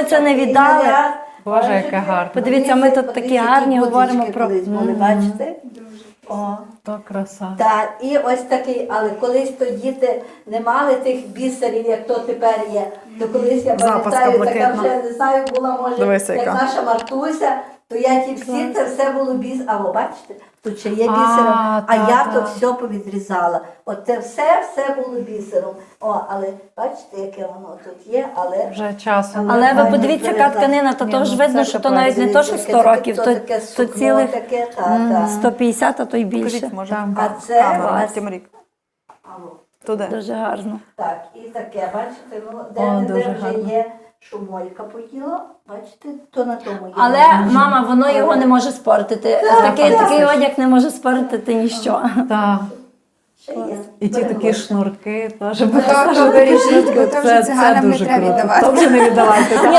ми це не віддали. Боже, яке гарне. Подивіться, ми тут такі гарні говоримо про... Бачите? О. То краса. Так, і ось такий, але колись то діти не мали тих бісерів, як то тепер є. То колись я Запаска пам'ятаю, така блакитна. вже, не знаю, була, може, Дивися, як яка. наша Мартуся, то я ті всі, це все було біс. А ви бачите, тут ще є бісером, а я то все повідрізала. От це все було бісером. О, але бачите, яке воно тут є, але... Вже часом. Але ви подивіться, яка тканина, то теж видно, що то навіть не то, що 100 років, то цілих таке, та. 150, а то й більше. Покажіть, може, А це камера, ось, Тимрік. алло. Туди. Дуже гарно. Так, і таке, бачите, воно О, де дуже вже гарно. є, що мойка поїла, бачите, то на тому є. Але, мама, воно його не може спортити. Такий одяг не може спортити ніщо. Так. Ще є. І ті такі шнурки теж. То вирішіть, бо то вже Це циганам не дуже треба круто. віддавати. То вже не віддавайте.